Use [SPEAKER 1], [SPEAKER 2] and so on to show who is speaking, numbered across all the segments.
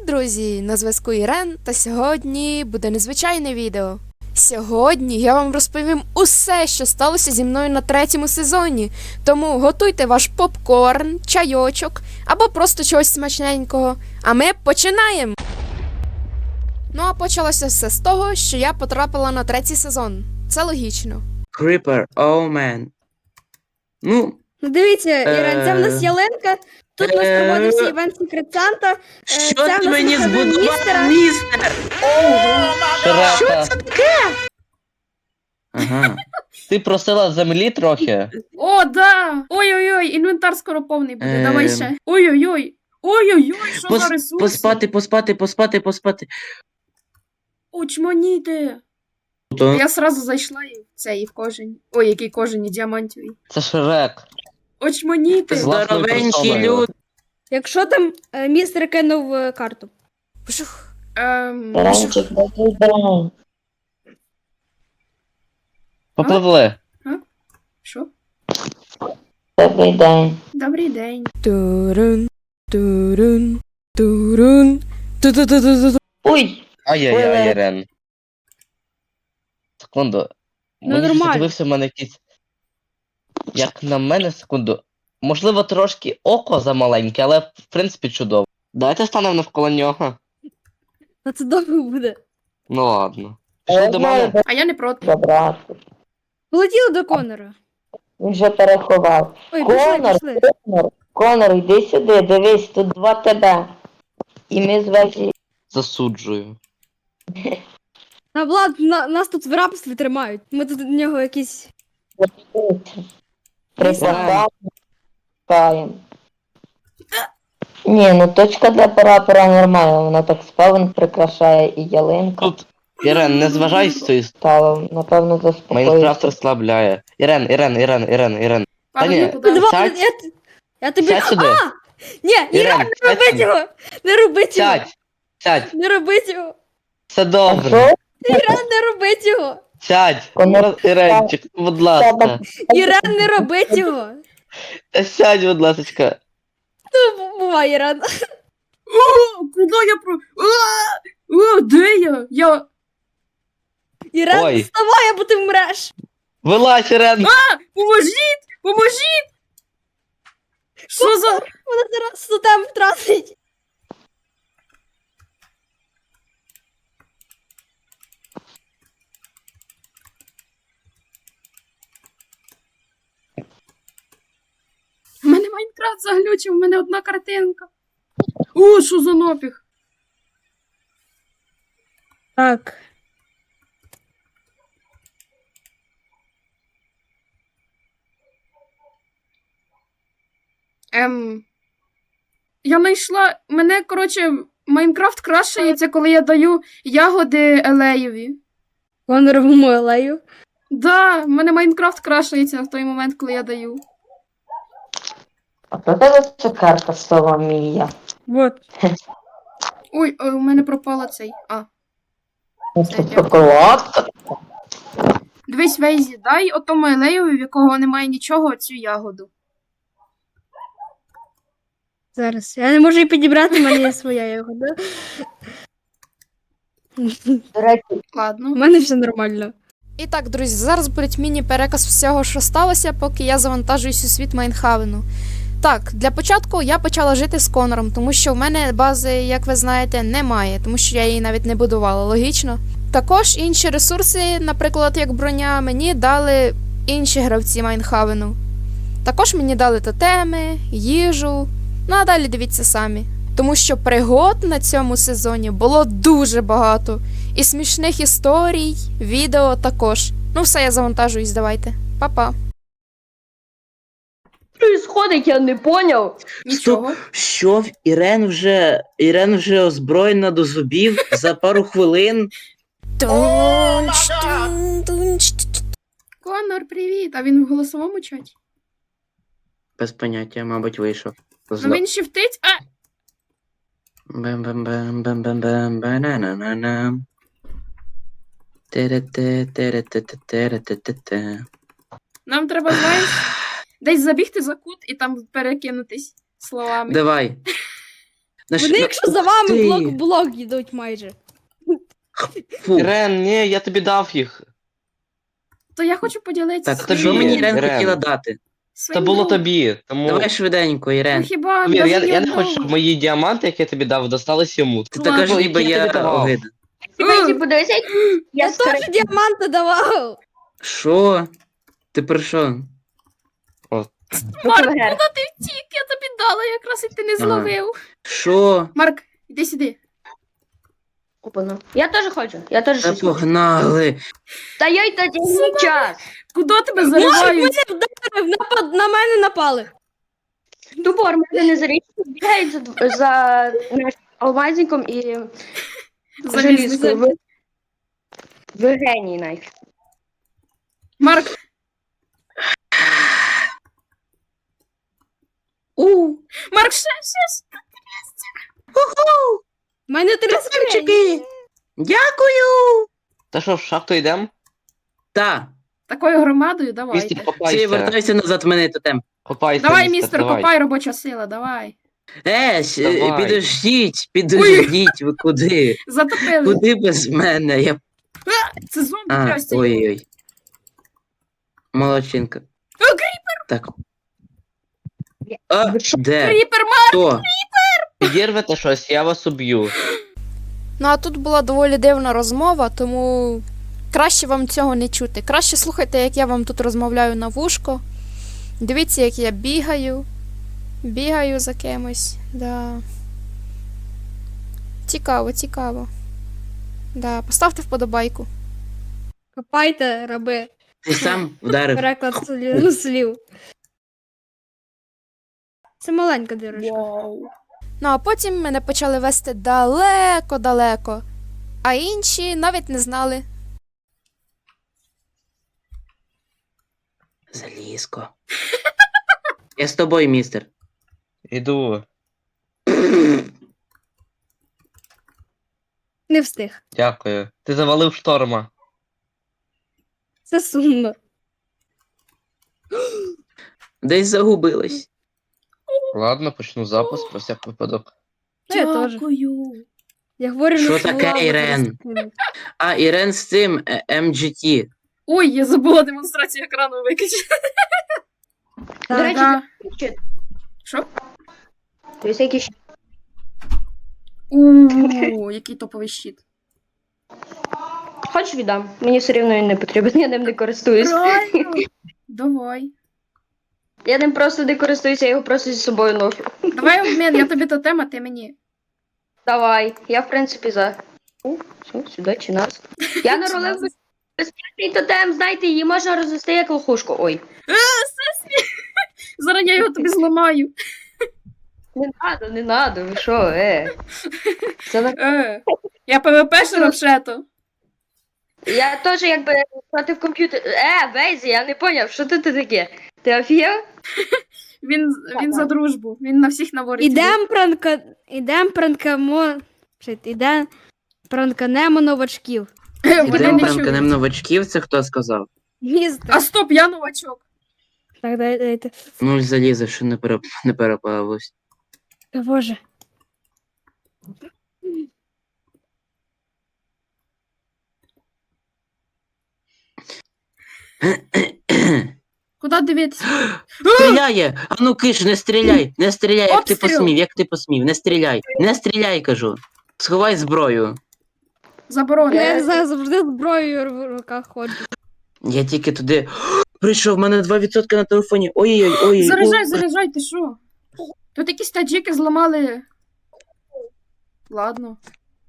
[SPEAKER 1] друзі! На зв'язку Ірен, та сьогодні буде незвичайне відео. Сьогодні я вам розповім усе, що сталося зі мною на 3-му сезоні. Тому готуйте ваш попкорн, чайочок або просто чогось смачненького. А ми починаємо! Ну а почалося все з того, що я потрапила на 3-й сезон. Це логічно.
[SPEAKER 2] Creeper, oh man. Ну,
[SPEAKER 3] Ну дивіться, Ірен, це в нас Яленка. Тут у нас проводився івент Secret Santa.
[SPEAKER 2] що
[SPEAKER 3] це в
[SPEAKER 2] ти
[SPEAKER 3] нас
[SPEAKER 2] мені
[SPEAKER 3] виходив
[SPEAKER 2] збудував, містер? Що
[SPEAKER 4] Широка.
[SPEAKER 2] це таке? Ага.
[SPEAKER 4] Ти просила землі трохи?
[SPEAKER 5] О, да! Ой-ой-ой, інвентар скоро повний буде, давай
[SPEAKER 2] Ем.
[SPEAKER 5] ще. Ой-ой-ой. Ой-ой-ой, що за ресурси?
[SPEAKER 2] Поспати.
[SPEAKER 5] Очманіти.
[SPEAKER 2] То.
[SPEAKER 5] Я сразу зайшла і в цей, і в кожен. Ой, який кожен, і діамантовий.
[SPEAKER 4] Це Шрек.
[SPEAKER 5] Очманіти.
[SPEAKER 4] З власною
[SPEAKER 2] Здоровенькі
[SPEAKER 4] персоною.
[SPEAKER 2] люди.
[SPEAKER 3] Якщо там містер кинув карту.
[SPEAKER 1] Пшух.
[SPEAKER 5] Пшух.
[SPEAKER 4] Попливли.
[SPEAKER 5] Що?
[SPEAKER 6] Добрий день.
[SPEAKER 5] Добрий день.
[SPEAKER 1] Турун, турун, турун, ту-ту-ту-ту-ту.
[SPEAKER 6] Ой,
[SPEAKER 4] Ай-яй-яй,
[SPEAKER 6] Ой,
[SPEAKER 4] Ірен. Секунду.
[SPEAKER 3] Ну,
[SPEAKER 4] Мені
[SPEAKER 3] нормально.
[SPEAKER 4] дивився в мене якийсь... Як на мене, секунду. Можливо, трошки око замаленьке, але в принципі чудово. Давайте станемо навколо нього.
[SPEAKER 3] А це довго буде.
[SPEAKER 4] Ну ладно. Пішли до мене.
[SPEAKER 5] А я не проти.
[SPEAKER 6] забрати.
[SPEAKER 3] Полетіли до Конора.
[SPEAKER 6] Він вже переховав.
[SPEAKER 3] Ой,
[SPEAKER 6] Конор,
[SPEAKER 3] пішли.
[SPEAKER 6] Конор, йди сюди, дивись, тут 2 тебе. І ми з вежі.
[SPEAKER 4] Засуджую.
[SPEAKER 3] А Влад, нас тут в рабстві тримають. Ми тут до нього якісь.
[SPEAKER 6] Припахаємо. Ні, ну точка для прапора нормальна, вона так спавн прикрашає і ялинка.
[SPEAKER 4] Тут, Ірен, не зважай з цієї
[SPEAKER 6] Стало, напевно,
[SPEAKER 4] Майнкрафт
[SPEAKER 6] заспокоївся.
[SPEAKER 4] розслабляє. Ірен. Та ні,
[SPEAKER 5] Павло, куди?
[SPEAKER 3] Два,
[SPEAKER 4] сядь.
[SPEAKER 3] я тобі.
[SPEAKER 4] Сядь сюди.
[SPEAKER 3] Ні, Ірен,
[SPEAKER 4] Ірен,
[SPEAKER 3] не робіть
[SPEAKER 4] сядь.
[SPEAKER 3] його! Не робіть його!
[SPEAKER 4] Сядь.
[SPEAKER 3] Не робіть його!
[SPEAKER 4] Все
[SPEAKER 6] А
[SPEAKER 4] добре.
[SPEAKER 6] що?
[SPEAKER 3] Ірен, не робіть його!
[SPEAKER 4] Сядь.
[SPEAKER 6] Конор,
[SPEAKER 4] Іренчик, будь ласка.
[SPEAKER 3] Ірен, не робіть його!
[SPEAKER 4] Сядь, будь ласка.
[SPEAKER 3] Ну, бувай, Ірен.
[SPEAKER 5] О, куди я про... О, де я? Я...
[SPEAKER 3] Ірен,
[SPEAKER 4] Ой.
[SPEAKER 3] вставай, або ти вмреш!
[SPEAKER 4] Вилазь, Ірен.
[SPEAKER 5] Поможіть! Поможіть! Що за...
[SPEAKER 3] Вона зараз тотем втратить!
[SPEAKER 5] У мене Майнкрафт заглючив, у мене одна картинка. О, що за напіх?
[SPEAKER 3] Так.
[SPEAKER 5] Я знайшла... Мене, коротше, Майнкрафт крашається, коли я даю ягоди Елеєві.
[SPEAKER 3] Коноровому алею.
[SPEAKER 5] Да, в мене Майнкрафт крашається в той момент, коли я даю.
[SPEAKER 6] А про тебе це карта Соломія.
[SPEAKER 3] Вот.
[SPEAKER 5] Ой, у мене пропала цей.
[SPEAKER 6] Це шоколадка.
[SPEAKER 5] Дивись, Вейзі, дай отому Елеєві, в якого немає нічого, цю ягоду.
[SPEAKER 3] Зараз. Я не можу її підібрати, в мене є своя його, да?
[SPEAKER 6] До речі,
[SPEAKER 3] У
[SPEAKER 5] Ладно.
[SPEAKER 3] мене все нормально.
[SPEAKER 1] І так, друзі, зараз буде міні-переказ всього, що сталося, поки я завантажуюсь у світ Майнхавену. Так, для початку я почала жити з Конором, тому що в мене бази, як ви знаєте, немає, тому що я її навіть не будувала, логічно. Також інші ресурси, наприклад, як броня, мені дали інші гравці Майнхавену. Також мені дали тотеми, їжу, ну а далі дивіться самі. Тому що пригод на цьому сезоні було дуже багато. І смішних історій, відео також. Ну все, я завантажуюсь, давайте. Па-па.
[SPEAKER 6] происходить, я не поняв.
[SPEAKER 5] Нічого.
[SPEAKER 2] що Ірен вже озброєна до зубів за пару хвилин.
[SPEAKER 5] Конор, привіт! А він в голосовому чаті?
[SPEAKER 2] Без поняття, мабуть, вийшов.
[SPEAKER 5] Ну він шифтить.
[SPEAKER 2] Бам-бам-бам-бам-бам-бам-банананам. Тере-те-тере-те-те-тере-те-те-те.
[SPEAKER 5] Нам треба, знаєш, десь забігти за кут і там перекинутись словами.
[SPEAKER 2] Давай.
[SPEAKER 3] Вони, якщо за вами блок в блок йдуть майже.
[SPEAKER 2] Фу.
[SPEAKER 4] Ірен, ні, я тобі дав їх.
[SPEAKER 5] То я хочу поділитися
[SPEAKER 2] Так,
[SPEAKER 4] тобі,
[SPEAKER 2] що мені Ірен
[SPEAKER 4] Ірен.
[SPEAKER 2] хотіла дати?
[SPEAKER 4] Це було тобі, тому...
[SPEAKER 2] Давай швиденько,
[SPEAKER 5] Ну
[SPEAKER 2] Ірен.
[SPEAKER 5] хіба
[SPEAKER 4] Повір,
[SPEAKER 5] навіть
[SPEAKER 4] я
[SPEAKER 5] ні
[SPEAKER 4] не хочу,
[SPEAKER 5] одного?
[SPEAKER 4] щоб мої діаманти, які я тобі дав, достались йому.
[SPEAKER 2] Ти така ж
[SPEAKER 4] Ну,
[SPEAKER 2] ніби
[SPEAKER 4] які я
[SPEAKER 2] я
[SPEAKER 4] тобі давав?
[SPEAKER 2] огида.
[SPEAKER 3] Я теж діаманти давав.
[SPEAKER 2] Що? Ти про що?
[SPEAKER 5] Марк, куди ти втік? Я тобі дала, якраз і ти не зловив.
[SPEAKER 2] Що?
[SPEAKER 5] Марк, іди сюди.
[SPEAKER 7] Я теж хочу, я теж
[SPEAKER 2] Та
[SPEAKER 7] щось хочу.
[SPEAKER 2] погнали.
[SPEAKER 7] Та йой тоді час.
[SPEAKER 5] Куди тебе
[SPEAKER 3] Марк
[SPEAKER 5] заривають?
[SPEAKER 3] мене вдарив, на мене напали.
[SPEAKER 7] Тупо мене не зарічно бігають за алмазником і желізкою. Ви геній навіть.
[SPEAKER 5] Марк, Марк, ще.
[SPEAKER 3] У мене 3 скриньки.
[SPEAKER 2] Чики. Дякую.
[SPEAKER 4] Та що, в шахту йдемо?
[SPEAKER 2] Та.
[SPEAKER 5] Такою громадою
[SPEAKER 4] Містер,
[SPEAKER 5] давайте.
[SPEAKER 2] Всі,
[SPEAKER 4] копайся.
[SPEAKER 2] вертайся назад в мене тотем.
[SPEAKER 4] Копайся,
[SPEAKER 5] Давай, містер,
[SPEAKER 4] давай.
[SPEAKER 5] копай, робоча сила, давай.
[SPEAKER 4] Давай.
[SPEAKER 2] Підождіть, ви куди?
[SPEAKER 5] Затопили.
[SPEAKER 2] Куди без мене? Я...
[SPEAKER 5] Це зомбі
[SPEAKER 2] А,
[SPEAKER 5] трясся.
[SPEAKER 2] ой-ой. Молодчинка.
[SPEAKER 5] О, кріпер!
[SPEAKER 2] Так. А, де?
[SPEAKER 5] Кріпер, Марк!
[SPEAKER 2] Хто?
[SPEAKER 4] Підірвете щось, я вас уб'ю.
[SPEAKER 1] Ну а тут була доволі дивна розмова, тому краще вам цього не чути. Краще слухайте, як я вам тут розмовляю на вушко. Дивіться, як я бігаю. Бігаю за кимось. Да. Цікаво, цікаво. Да, поставте вподобайку.
[SPEAKER 3] Копайте, раби.
[SPEAKER 2] Ти сам вдарив.
[SPEAKER 3] Переклад слів. Це маленька дирочка.
[SPEAKER 1] Ну а потім мене почали вести далеко-далеко. А інші навіть не знали.
[SPEAKER 2] Залізко. Я з тобою, містер.
[SPEAKER 4] Іду.
[SPEAKER 3] Не встиг.
[SPEAKER 4] Дякую. Ти завалив шторма.
[SPEAKER 3] Це сумно.
[SPEAKER 2] Десь загубилась.
[SPEAKER 4] Ладно, почну запис про всяк випадок.
[SPEAKER 3] Ну, я теж.
[SPEAKER 5] Дякую.
[SPEAKER 3] Я говорю,
[SPEAKER 2] Що
[SPEAKER 3] не
[SPEAKER 2] таке,
[SPEAKER 3] слова,
[SPEAKER 2] Ірен?
[SPEAKER 3] зараз-
[SPEAKER 2] А, Ірен з цим MGT.
[SPEAKER 5] Ой, я забула демонстрацію екрану виключити.
[SPEAKER 7] До речі,
[SPEAKER 5] Да. Що?
[SPEAKER 7] дивіться, які ще.
[SPEAKER 5] Який топовий щит.
[SPEAKER 7] Хоч віддам. Мені все рівно він не потрібен, я ним не користуюсь.
[SPEAKER 5] Правильно. Давай.
[SPEAKER 7] Я ним просто не користуюся, я його просто зі собою ношу.
[SPEAKER 5] Давай обмін, я тобі тотем, а ти мені.
[SPEAKER 7] Давай, я в принципі за. Все, сюди чи нас. Я наролив безпечний тотем, знаєте, її можна розвести як лохушку. Ой.
[SPEAKER 5] Зараз я його тобі зламаю.
[SPEAKER 7] Не надо, ви що, Це на...
[SPEAKER 5] Я ПВП-шер взагалі-то.
[SPEAKER 7] Я теж якби проти в комп'ютер. Бейзі, я не поняв, що тут таке? Ти офігел?
[SPEAKER 5] Він за дружбу. Він на всіх наворить.
[SPEAKER 3] Ідем пранканемо новачків.
[SPEAKER 5] Вони
[SPEAKER 2] Ідемо
[SPEAKER 5] не
[SPEAKER 2] пранканем
[SPEAKER 5] чують.
[SPEAKER 2] новачків, це хто сказав?
[SPEAKER 3] Містер.
[SPEAKER 5] А стоп, я новачок.
[SPEAKER 3] Так, дайте.
[SPEAKER 2] Ну, залізо, що не переплавилось.
[SPEAKER 3] Та боже.
[SPEAKER 5] Куди дивитися?
[SPEAKER 2] Стріляє! А ну киш, не стріляй! Не стріляй, як ти
[SPEAKER 5] Обстріл!
[SPEAKER 2] посмів, як ти посмів, не стріляй! Не стріляй, кажу! Сховай зброю.
[SPEAKER 5] Заборонено.
[SPEAKER 3] Я завжди зброєю в руках ходжу.
[SPEAKER 2] Я тільки туди. Прийшов, в мене 2% на телефоні. Ой-ой-ой.
[SPEAKER 5] Заряджай, ти що? Тут якісь таджики зламали. Ладно.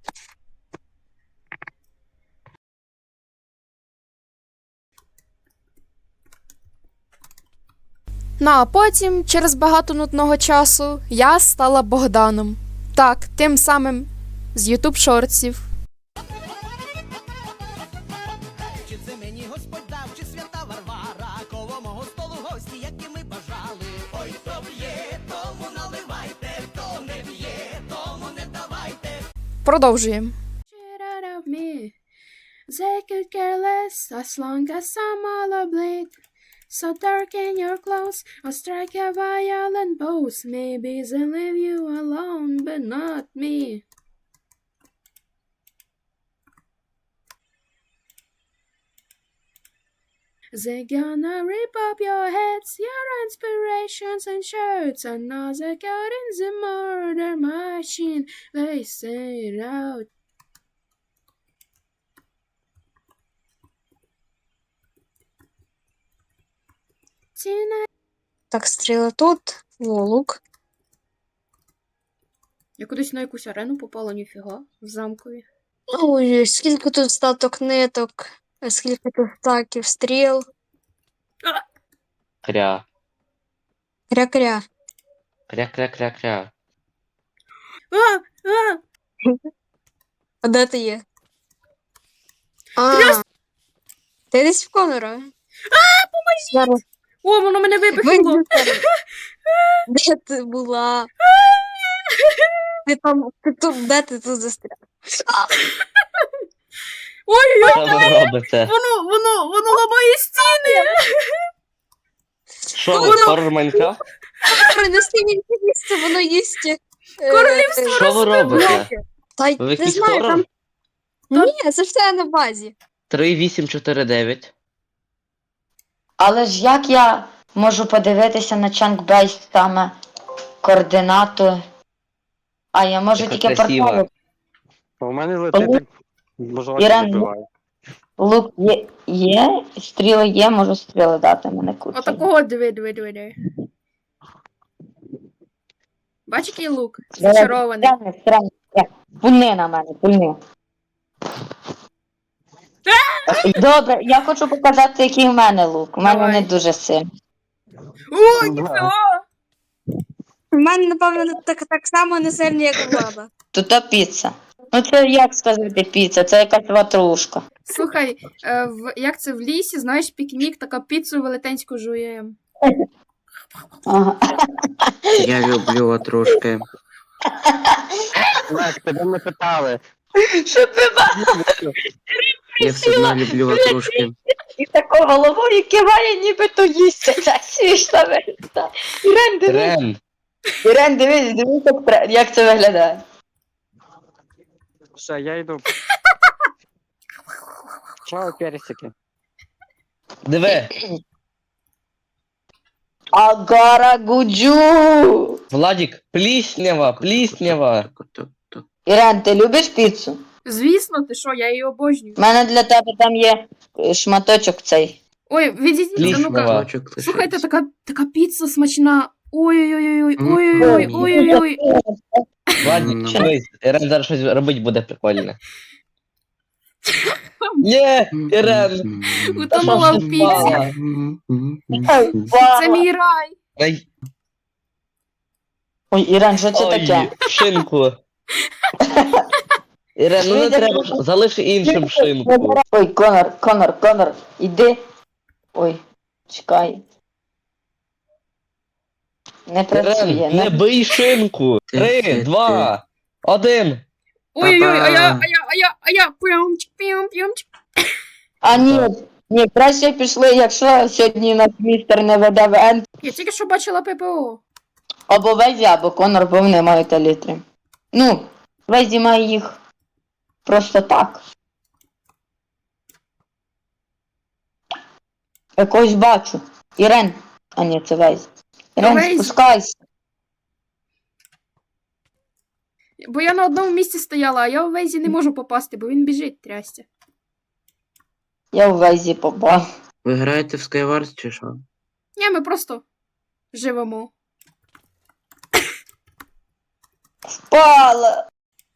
[SPEAKER 1] Ну а потім, через багато нудного часу, я стала Богданом. Так, тим самим з YouTube шортсів.
[SPEAKER 8] Чи це мені Господь дав, чи свята Варвара, коло мого столу гості, які ми бажали. Ой, хто б'є, тому наливайте, хто не б'є, тому не давайте.
[SPEAKER 1] Продовжуємо.
[SPEAKER 5] Shit out of me. They could care less as long as I'm all oblate. So darken your clothes or strike a violent pose. Maybe they'll leave you alone, but not me. They're gonna rip up your heads, your inspirations and shirts. Another girl in the murder machine. They say it out. Tina.
[SPEAKER 3] Так, стріли тут, лук.
[SPEAKER 5] Я кудись на якусь арену попала, ніфіга, в замкові.
[SPEAKER 3] Ой, скільки тут статок ниток, скільки тут стаків, стріл.
[SPEAKER 4] Кря.
[SPEAKER 3] Кря-кря.
[SPEAKER 4] Кря-кря-кря-кря.
[SPEAKER 5] А!
[SPEAKER 3] А де ти є? Ти десь в Конора? Поможіть!
[SPEAKER 5] О, воно мене випихнуло!
[SPEAKER 3] Де ти була? Ти там, ти тут, де ти тут застряг?
[SPEAKER 5] Ой-ой-ой!
[SPEAKER 4] Що ви робите?
[SPEAKER 5] Воно ламає стіни!
[SPEAKER 4] Що ви, хоррор Майнкрафт?
[SPEAKER 3] Принеси мені їсти, воно їсть.
[SPEAKER 5] Королівство
[SPEAKER 4] Що ви робите?
[SPEAKER 3] Та й
[SPEAKER 4] Ви
[SPEAKER 3] не
[SPEAKER 4] якийсь
[SPEAKER 3] знаю,
[SPEAKER 4] хоррор?
[SPEAKER 3] там. Ні, це все на базі.
[SPEAKER 4] 3849.
[SPEAKER 6] Але ж як я можу подивитися на Чанкбейс саме координату? А я можу
[SPEAKER 4] Яка
[SPEAKER 6] тільки
[SPEAKER 4] красива.
[SPEAKER 6] портали.
[SPEAKER 9] У мене летить, можливо,
[SPEAKER 6] Ірен,
[SPEAKER 9] вибиває.
[SPEAKER 6] Лук є, стріли є, можу стріли дати мене кучу.
[SPEAKER 5] Отакого диви. Бач, який лук?
[SPEAKER 6] Давай,
[SPEAKER 5] Зачарований.
[SPEAKER 6] Странно. Пульни на мене, пульни. Добре, я хочу показати, який в мене лук. У мене
[SPEAKER 5] Давай.
[SPEAKER 6] не дуже сильний.
[SPEAKER 5] О, ніфіга!
[SPEAKER 3] У мене, напевно, так само не сильні, як у баба.
[SPEAKER 6] Тут піца. Ну це як сказати піца, це якась ватрушка.
[SPEAKER 5] Слухай, як це в лісі, знаєш, пікнік, така піцу велетенську жуємо.
[SPEAKER 6] Ага.
[SPEAKER 2] Я люблю ватрушки.
[SPEAKER 9] Лек, тебе не питали.
[SPEAKER 6] Щоб ви бачили,
[SPEAKER 2] Я все одно люблю ватрушки.
[SPEAKER 6] і тако головою киває, ніби то їсться. Це смішно виглядає. Ірен, дивись.
[SPEAKER 4] Рен.
[SPEAKER 6] Ірен, дивись, як це виглядає.
[SPEAKER 9] Все, я йду. Чао, персики.
[SPEAKER 4] Диви.
[SPEAKER 6] Агара гуджу.
[SPEAKER 4] Владік, пліснява.
[SPEAKER 2] Так.
[SPEAKER 6] Ірен, ти любиш піцу?
[SPEAKER 5] Звісно, ти що, я її обожнюю.
[SPEAKER 6] У мене для тебе там є шматочок цей.
[SPEAKER 5] Ой, відійдіть,
[SPEAKER 4] Пліснава.
[SPEAKER 5] ну-ка.
[SPEAKER 2] Кусочок
[SPEAKER 5] Слухайте,
[SPEAKER 2] лишився.
[SPEAKER 5] така піца смачна. Ой-ой-ой,
[SPEAKER 2] Мгм.
[SPEAKER 5] ой-ой-ой.
[SPEAKER 4] Владік, дивись, Ірен зараз щось робить буде прикольне. Ні, Ірен.
[SPEAKER 5] Утонула в піці. Це мій рай.
[SPEAKER 4] Ай,
[SPEAKER 6] Ой, Ірен, що це
[SPEAKER 4] ой,
[SPEAKER 6] таке?
[SPEAKER 4] шинку. Ірен, ну не треба, залиши іншим шинку.
[SPEAKER 6] Ой, Конор, іди. Ой, чекай. Не працює.
[SPEAKER 4] Ірен, не бий шинку. 3, 2, 1.
[SPEAKER 5] Ой-ой-ой,
[SPEAKER 2] Па-па.
[SPEAKER 5] а я, п'ємчик.
[SPEAKER 6] А ні, краще пішли, якщо сьогодні нас містер не веде в енд.
[SPEAKER 5] Я тільки що бачила ППО.
[SPEAKER 6] Або Везі, або Конор, бо вони мають елітри. Ну, Везі має їх просто так. Якось бачу. Ірен. А ні, це Везі. Ірен,
[SPEAKER 5] Везі.
[SPEAKER 6] спускайся.
[SPEAKER 5] Бо я на одному місці стояла, а я у Вейзі не можу попасти, бо він біжить, трясся.
[SPEAKER 6] Я в Везі попав.
[SPEAKER 2] Ви граєте в Skywars чи що?
[SPEAKER 5] Ні, ми просто живемо.
[SPEAKER 6] Впала!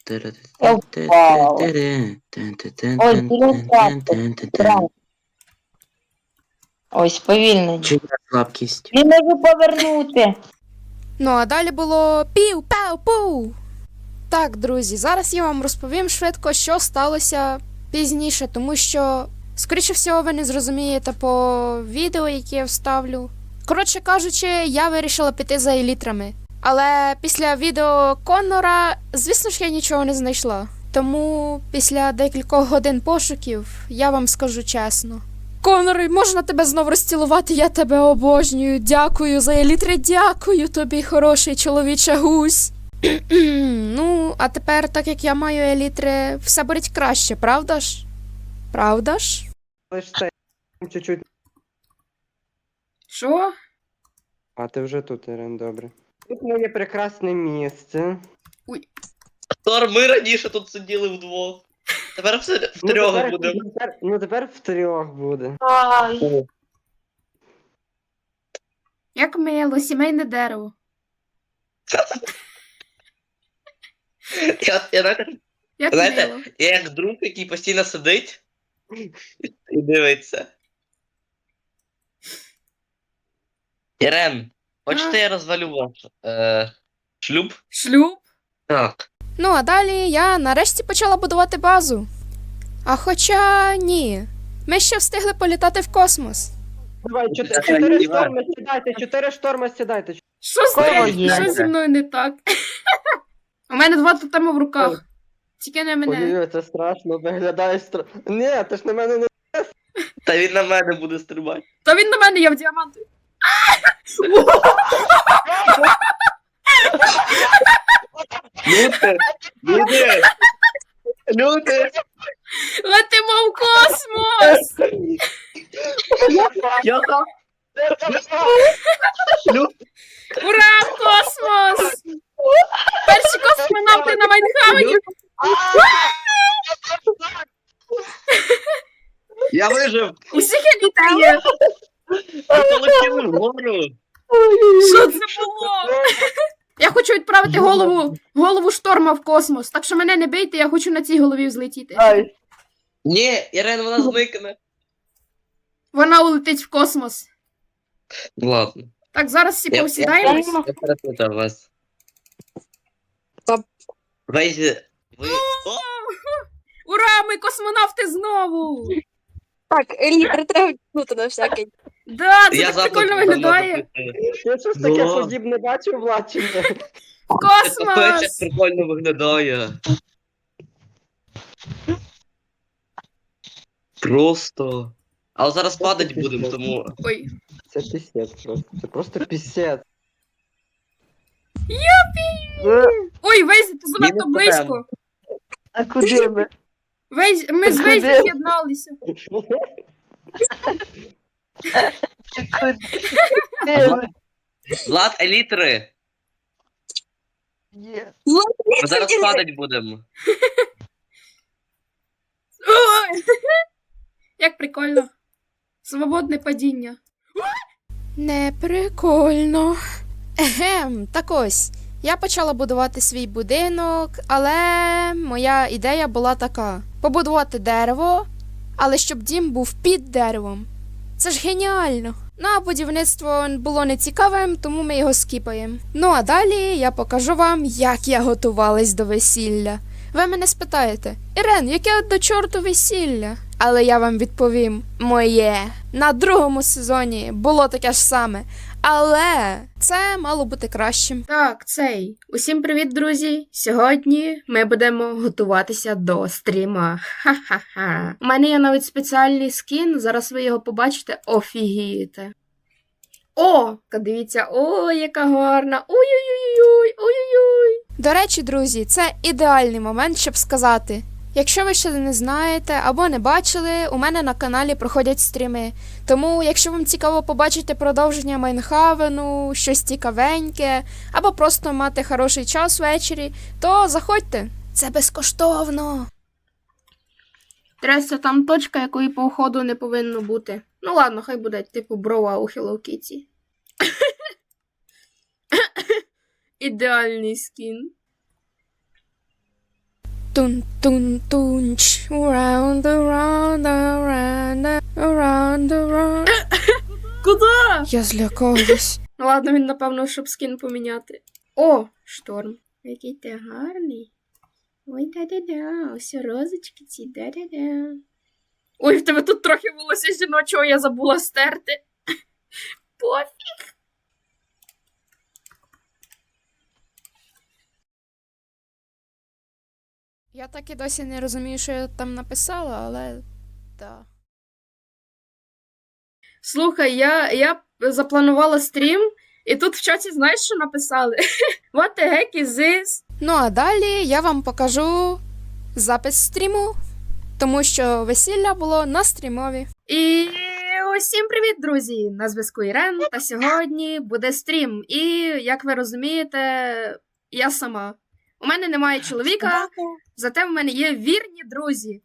[SPEAKER 6] Ой, сповільнення.
[SPEAKER 2] Чия слабкість?
[SPEAKER 6] Не можу повернути.
[SPEAKER 1] Ну а далі було пів-пау-пу. Так, друзі, зараз я вам розповім швидко, що сталося пізніше, тому що, скоріше всього, ви не зрозумієте по відео, яке я вставлю. Коротше кажучи, я вирішила піти за елітрами. Але після відео Коннора, звісно ж, я нічого не знайшла. Тому після декількох годин пошуків я вам скажу чесно. Конор, можна тебе знов розцілувати? Я тебе обожнюю. Дякую за елітри, дякую тобі, хороший чоловіче гусь. Ну, а тепер, так як я маю елітри, все буде краще, правда ж? Правда ж?
[SPEAKER 9] Лиш це чуть-чуть.
[SPEAKER 5] Що?
[SPEAKER 9] А ти вже тут, Ірен, добре. Тут моє прекрасне місце.
[SPEAKER 4] Тор, ми раніше тут сиділи вдвох. Тепер втрьох будемо.
[SPEAKER 9] Тепер втрьох буде.
[SPEAKER 5] Як мило, сімейне дерево. Як
[SPEAKER 4] Знаєте,
[SPEAKER 5] мило.
[SPEAKER 4] я як друг, який постійно сидить і дивиться. Ірен, хочете я розвалю ваш шлюб?
[SPEAKER 5] Шлюб?
[SPEAKER 4] Так.
[SPEAKER 1] Ну, а далі я нарешті почала будувати базу. А хоча ні. Ми ще встигли політати в космос.
[SPEAKER 9] Давай,
[SPEAKER 4] Це
[SPEAKER 9] 4
[SPEAKER 4] Іван.
[SPEAKER 9] шторми сідайте, 4 шторми сідайте.
[SPEAKER 5] Що з
[SPEAKER 6] Кого
[SPEAKER 5] тим?
[SPEAKER 6] є?
[SPEAKER 5] Що зі мною не так? У мене 2 тотеми в руках. Тільки не мене.
[SPEAKER 9] Ой-ой, це страшно, виглядає страшно. Ні, ти ж на мене не...
[SPEAKER 4] Та він на мене буде стрибати.
[SPEAKER 5] Та він на мене, я в діаманту.
[SPEAKER 4] Люди! Люди! Люди!
[SPEAKER 5] Летимо в космос!
[SPEAKER 4] Я там!
[SPEAKER 5] Ура, в космос! Перші космонавти на Майнхавені!
[SPEAKER 4] Я вижив!
[SPEAKER 5] Усіх елітри є!
[SPEAKER 4] Ви полетіли вгору!
[SPEAKER 5] Що це було? Я хочу відправити голову шторма в космос. Так що мене не бийте, я хочу на цій голові взлетіти.
[SPEAKER 4] Ні, Ірен, вона зникне.
[SPEAKER 5] Вона улетить в космос.
[SPEAKER 4] Ладно.
[SPEAKER 5] Так, зараз всі
[SPEAKER 4] Я
[SPEAKER 5] повсідаємось.
[SPEAKER 4] перепутав вас.
[SPEAKER 3] Стоп.
[SPEAKER 4] Вейзі, ви...
[SPEAKER 5] Ура, ми космонавти знову!
[SPEAKER 3] Так, елітри треба вдягнути на всякий.
[SPEAKER 5] Да, це
[SPEAKER 4] Я
[SPEAKER 5] так
[SPEAKER 4] запит
[SPEAKER 5] прикольно
[SPEAKER 4] давно
[SPEAKER 5] виглядає.
[SPEAKER 4] запитую.
[SPEAKER 9] Я щось таке
[SPEAKER 4] Да.
[SPEAKER 9] подібне бачив, Владченко.
[SPEAKER 4] Це капець,
[SPEAKER 5] Космос!
[SPEAKER 4] як прикольно виглядає. Просто. Але зараз падать будемо, тому.
[SPEAKER 5] Ой.
[SPEAKER 9] Це пісець просто. Це просто пісець.
[SPEAKER 5] Ой, Вейзі, ти занадто
[SPEAKER 4] Мінус
[SPEAKER 5] близько.
[SPEAKER 6] А куди ми?
[SPEAKER 5] Ми з Вейзі
[SPEAKER 6] Куди?
[SPEAKER 5] з'єдналися.
[SPEAKER 4] Влад, елітри!
[SPEAKER 6] Є.
[SPEAKER 4] Ми зараз падать будемо.
[SPEAKER 5] Ой! Як прикольно. Свободне падіння.
[SPEAKER 1] Не прикольно. Егем, так ось. Я почала будувати свій будинок, але моя ідея була така: побудувати дерево, але щоб дім був під деревом. Це ж геніально. Ну а будівництво було нецікавим, тому ми його скіпаємо. Ну а далі я покажу вам, як я готувалась до весілля. Ви мене спитаєте: Ірен, яке до чорту весілля? Але я вам відповім: моє. На другому сезоні було таке ж саме. Але це мало бути кращим.
[SPEAKER 5] Так, цей. Усім привіт, друзі! Сьогодні ми будемо готуватися до стріма. Ха-ха-ха. У мене є навіть спеціальний скін, зараз ви його побачите, офігієте. О, дивіться, о, яка гарна. Ой-ой-ой, ой-ой-ой.
[SPEAKER 1] До речі, друзі, це ідеальний момент, щоб сказати: якщо ви ще не знаєте або не бачили, у мене на каналі проходять стріми. Тому, якщо вам цікаво побачити продовження Майнхавену, щось цікавеньке, або просто мати хороший час ввечері, то заходьте. Це безкоштовно.
[SPEAKER 5] Трясся там точка, якої по уходу не повинно бути. Ну ладно, хай буде типу брова у Hello Kitty. Ідеальний скін.
[SPEAKER 1] Тун-тун-тунч, round, around, around, around, around.
[SPEAKER 5] Куда?
[SPEAKER 1] Я злякалась.
[SPEAKER 5] Ну ладно, він напевно, щоб скін поміняти. О, шторм. Який ти гарний. Ой, да-да-да, ось розочки ці, да-да-да. Ой, в тебе тут трохи волосся жіночого, я забула стерти. Пофіг.
[SPEAKER 1] Я так і досі не розумію, що я там написала, але так.
[SPEAKER 5] Слухай, я запланувала стрім, і тут в чаті знаєш, що написали? What the heck is this?
[SPEAKER 1] Ну а далі я вам покажу запис стріму, тому що весілля було на стрімові.
[SPEAKER 5] І усім привіт, друзі! На зв'язку Ірен, та сьогодні буде стрім. І, як ви розумієте, я сама. У мене немає чоловіка, зате в мене є вірні друзі.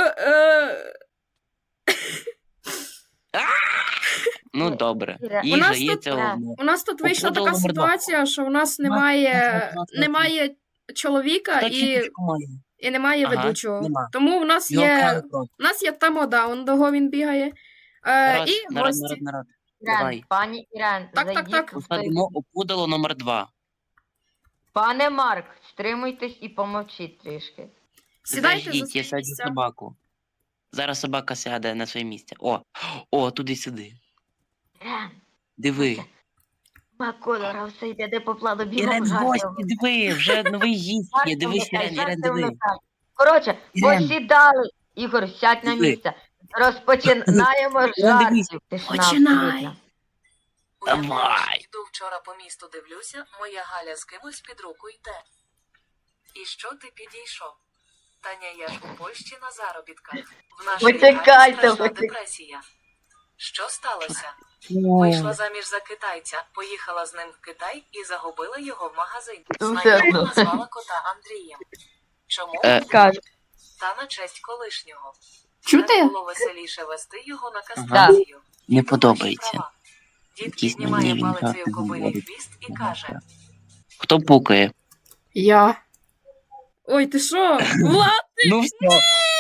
[SPEAKER 4] Ну добре.
[SPEAKER 6] У
[SPEAKER 4] Їжа
[SPEAKER 5] нас
[SPEAKER 4] є
[SPEAKER 5] тут-
[SPEAKER 4] це одне.
[SPEAKER 5] У нас тут вийшла
[SPEAKER 4] Опудало
[SPEAKER 5] така
[SPEAKER 4] номер два.
[SPEAKER 5] ситуація, що у нас немає чоловіка
[SPEAKER 4] Хто
[SPEAKER 5] і
[SPEAKER 4] чіпочку має?
[SPEAKER 5] немає
[SPEAKER 4] Ага,
[SPEAKER 5] ведучого.
[SPEAKER 4] нема.
[SPEAKER 5] Тому в нас
[SPEAKER 4] Його
[SPEAKER 5] є.
[SPEAKER 4] крали просто.
[SPEAKER 5] У нас є тамода, он дого він бігає.
[SPEAKER 4] Народ,
[SPEAKER 5] І
[SPEAKER 4] народ,
[SPEAKER 5] гості.
[SPEAKER 4] народ.
[SPEAKER 6] Ірен,
[SPEAKER 4] Давай.
[SPEAKER 6] пані Ірен,
[SPEAKER 5] Так, так,
[SPEAKER 6] зайдіть
[SPEAKER 5] так.
[SPEAKER 6] у той-
[SPEAKER 4] Посадимо опудало номер 2.
[SPEAKER 6] Пане Марк, стримуйтесь і помовчіть трішки.
[SPEAKER 5] Сідайте за
[SPEAKER 4] Заждіть, я
[SPEAKER 5] свої
[SPEAKER 4] саджу
[SPEAKER 5] місця.
[SPEAKER 4] собаку. Зараз собака сяде на своє місце. Туди-сюди.
[SPEAKER 6] Ірен,
[SPEAKER 4] Диви.
[SPEAKER 6] Маколора все йде де по плану бігом
[SPEAKER 4] Ірен,
[SPEAKER 6] жарти.
[SPEAKER 4] гості, диви, вже новий гість є. Дивись,
[SPEAKER 6] Жарти
[SPEAKER 4] Ірен,
[SPEAKER 6] вмикай.
[SPEAKER 4] диви.
[SPEAKER 6] Коротше,
[SPEAKER 4] Ірен.
[SPEAKER 6] посідали. Ігор, сядь на
[SPEAKER 4] Диви.
[SPEAKER 6] місце. Розпочинаємо
[SPEAKER 4] дивись.
[SPEAKER 6] жартів. Тишина
[SPEAKER 5] Починай.
[SPEAKER 6] абсолютна.
[SPEAKER 4] Давай.
[SPEAKER 10] Йду вчора по місту дивлюся, моя Галя з кимось під руку йде. І що ти підійшов? Таня, я ж у Польщі на заробітках. В нашій
[SPEAKER 6] Почекайте,
[SPEAKER 10] хаті страшна
[SPEAKER 6] почекайте.
[SPEAKER 10] депресія. Що сталося? Вийшла заміж за китайця, поїхала з ним в Китай і загубила його в магазині.
[SPEAKER 6] Ну, все
[SPEAKER 10] Знайома
[SPEAKER 6] одно.
[SPEAKER 10] назвала кота Андрієм. Чому?
[SPEAKER 6] Кажу.
[SPEAKER 10] Та на честь колишнього.
[SPEAKER 5] Чути?
[SPEAKER 10] Так було веселіше вести його на кастрацію.
[SPEAKER 4] Не подобається.
[SPEAKER 10] Права. Дід
[SPEAKER 4] Якісь
[SPEAKER 10] піднімає
[SPEAKER 4] мені він
[SPEAKER 10] палицею
[SPEAKER 4] жарти
[SPEAKER 10] кобилі
[SPEAKER 4] говорить.
[SPEAKER 10] хвіст і каже:
[SPEAKER 4] Хто пукає?
[SPEAKER 5] Я. Ой, ти що? Влад,
[SPEAKER 4] Ну все.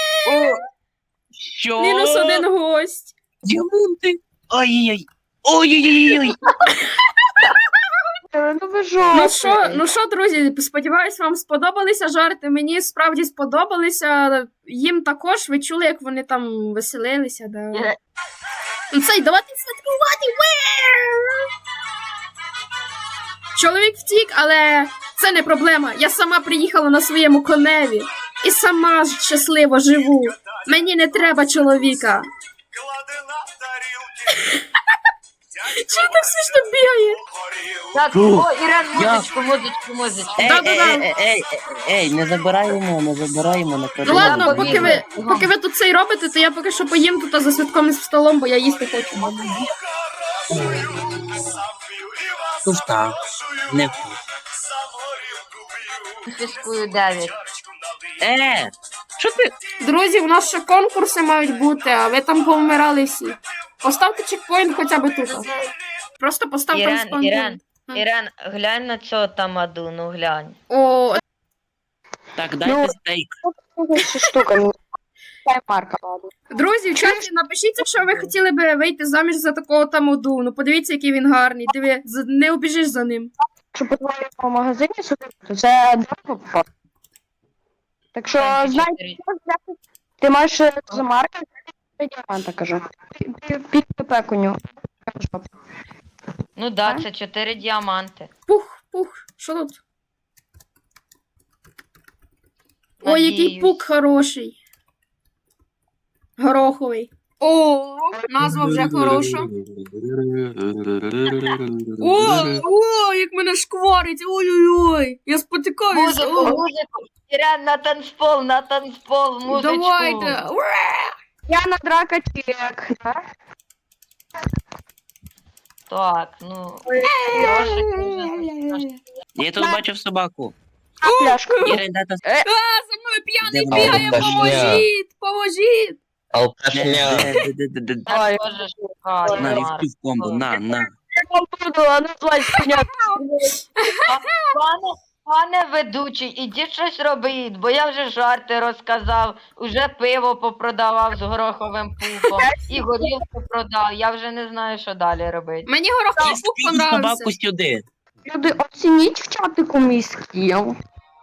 [SPEAKER 4] Що?
[SPEAKER 5] мінус один гость.
[SPEAKER 4] Діаманти. Ой-ой-ой. Ой-ой-ой.
[SPEAKER 6] Ну ви жовті.
[SPEAKER 5] Ну що, друзі, сподіваюсь, вам сподобалися жарти. Мені справді сподобалися. Їм також ви чули, як вони там веселилися. Да.
[SPEAKER 6] Ірен,
[SPEAKER 5] Ну цей, давайте святкувати! Чоловік втік, але це не проблема. Я сама приїхала на своєму коневі і сама щасливо живу. Мені не треба чоловіка. Чого так смішно бігає?
[SPEAKER 6] Так,
[SPEAKER 4] Фу.
[SPEAKER 6] о, Ірен,
[SPEAKER 4] Я-
[SPEAKER 6] музичку.
[SPEAKER 4] Ей, не забираємо, не
[SPEAKER 5] Ну
[SPEAKER 4] коридор.
[SPEAKER 5] ладно,
[SPEAKER 6] побігли.
[SPEAKER 5] поки ви тут це й робите, то я поки що поїм тут за святковим столом, бо я їсти хочу.
[SPEAKER 4] Туфта. Не
[SPEAKER 6] Фіскую 9.
[SPEAKER 4] Що ти?
[SPEAKER 5] Друзі, у нас ще конкурси мають бути, а ви там повмирали всі. Поставте чекпоінт хоча б тут. Просто поставте респондент.
[SPEAKER 6] Ірен, глянь на цього тамаду, ну глянь.
[SPEAKER 5] О,
[SPEAKER 4] Так, дайте стейк.
[SPEAKER 5] друзі, в чаті напишіть, якщо ви хотіли би вийти заміж за такого тамоду. Ну подивіться, який він гарний. Диви, не обіжиш за ним.
[SPEAKER 3] Що по твоєму магазині сюди, то це дорого. Так що, знаєте, ти маєш за марки діаманта, кажу. Під ПП у нього.
[SPEAKER 6] Ну да, це 4 діаманти.
[SPEAKER 5] Пух, що тут? Ой, який
[SPEAKER 6] Надіюсь.
[SPEAKER 5] пук хороший. Гороховий. О, назва вже хороша. О, як мене шкварить. Ой-ой-ой. Я спотикаюся.
[SPEAKER 6] Музику. Ірен, на танцпол, музичку.
[SPEAKER 5] Давайте.
[SPEAKER 3] Я на драка чек.
[SPEAKER 6] Так, ну.
[SPEAKER 4] Я тут бачив собаку.
[SPEAKER 3] Пляшка.
[SPEAKER 4] Ірен, дайте
[SPEAKER 5] За мною п'яний
[SPEAKER 4] Де
[SPEAKER 5] бігає,
[SPEAKER 4] вона?
[SPEAKER 5] поможіть.
[SPEAKER 4] Алкашня.
[SPEAKER 6] Я теж шукаю,
[SPEAKER 4] На,
[SPEAKER 6] Марк.
[SPEAKER 4] вівки в комбо, на.
[SPEAKER 3] Буду, а ну плачь, коня.
[SPEAKER 6] Пане ведучий, ідіть щось робіть, бо я вже жарти розказав, уже пиво попродавав з гороховим пуком, і горілку продав, я вже не знаю, що далі робити.
[SPEAKER 5] Мені гороховий пук
[SPEAKER 4] Скинь
[SPEAKER 5] понравився.
[SPEAKER 4] собаку сюди.
[SPEAKER 3] Люди, оцініть в чатику мій скіл.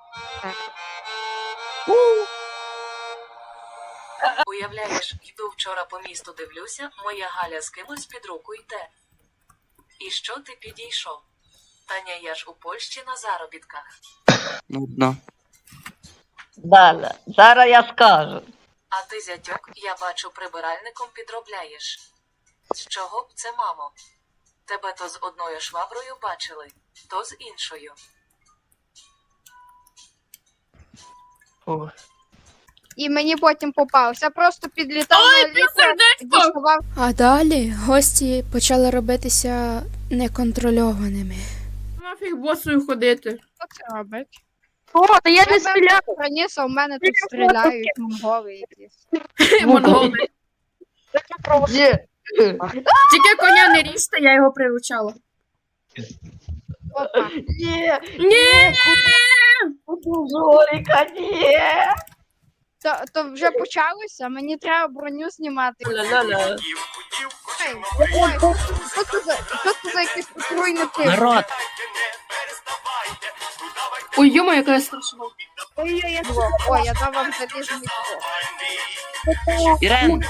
[SPEAKER 10] Уявляєш, йду вчора по місту дивлюся, моя Галя з кимось під руку йде. І що ти підійшов? Таня, я ж у Польщі на заробітках.
[SPEAKER 4] Нудно.
[SPEAKER 6] Далі, зараз я скажу.
[SPEAKER 10] А ти, зятьок, я бачу, прибиральником підробляєш. З чого б це, мамо? Тебе то з одною шваброю бачили, то з іншою.
[SPEAKER 11] І мені потім попався. Просто підлітав на літер, діставав.
[SPEAKER 1] А далі гості почали робитися неконтрольованими.
[SPEAKER 5] Нафіг босою ходити.
[SPEAKER 11] Хто це робить?
[SPEAKER 3] О, та я не стріляв.
[SPEAKER 11] Раніше у мене тут стріляють монголи якісь.
[SPEAKER 5] Монголи. Тільки коня не ріжте, я його приручала.
[SPEAKER 11] Опа.
[SPEAKER 5] Ні!
[SPEAKER 6] Жоріка, ні!
[SPEAKER 11] То вже почалося, мені треба броню знімати.
[SPEAKER 6] Ля-ля-ля.
[SPEAKER 11] Ой, що це за якийсь отруйний тип?
[SPEAKER 2] Народ,
[SPEAKER 5] Ой, йома, яка я страшна.
[SPEAKER 11] Ой, я дав вам залізний блок.
[SPEAKER 2] Ірен,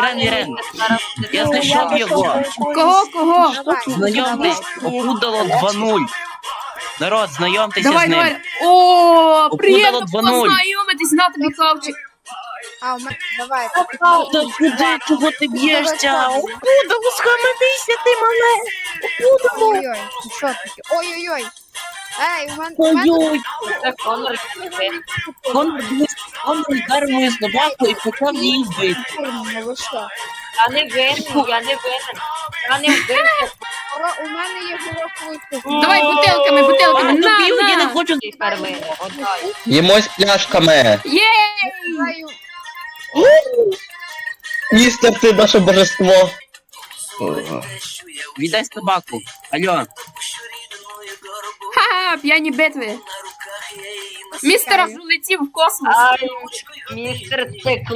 [SPEAKER 2] я знайшов його.
[SPEAKER 5] Кого?
[SPEAKER 2] Знайомтесь, опудало 2-0. Народ, знайомтеся з
[SPEAKER 5] Давай,
[SPEAKER 2] ним.
[SPEAKER 5] давай. О, приємно
[SPEAKER 2] Опудало 2:0.
[SPEAKER 5] познайомитись, на тобі хавчик.
[SPEAKER 11] А, у мене, давай.
[SPEAKER 2] Та куди, чого ти б'єшся? Опудало, схаменися, ти мале.
[SPEAKER 11] Ой-ой, що таке? Ой-ой-ой. Ей, у мене...
[SPEAKER 2] Ой-ой,
[SPEAKER 6] Це Конор.
[SPEAKER 2] Конор вдарив мою собаку і почав її бити.
[SPEAKER 11] Курно, ви що?
[SPEAKER 6] Я не винен, я не винен. Я не винен.
[SPEAKER 11] У мене є гороховий.
[SPEAKER 5] Давай бутилками,
[SPEAKER 2] Я не
[SPEAKER 5] на.
[SPEAKER 2] хочу.
[SPEAKER 6] Тепер мене, отдай.
[SPEAKER 4] Їмось пляшками.
[SPEAKER 5] Є!
[SPEAKER 4] Містер, ти наше божество.
[SPEAKER 2] Віддай собаку. Алло.
[SPEAKER 5] Ха-ха, п'яні битви. Містер аж улетів в космос.
[SPEAKER 6] Ай, містер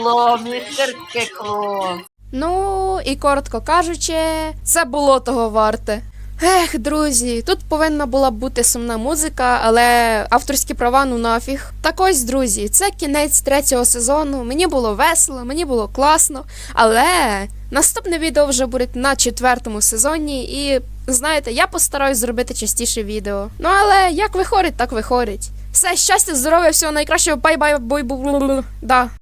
[SPEAKER 6] Стекло.
[SPEAKER 1] Ну і коротко кажучи, це було того варте. Ех, друзі, тут повинна була бути сумна музика, але авторські права ну нафіг. Так ось, друзі, це кінець 3-го сезону. Мені було весело, мені було класно, але наступне відео вже буде на 4-му сезоні, і знаєте, я постараюсь зробити частіше відео. Ну але як виходить, так виходить. Все, щастя, здоров'я, всього найкращого, бай-бай, бой-бу. Да.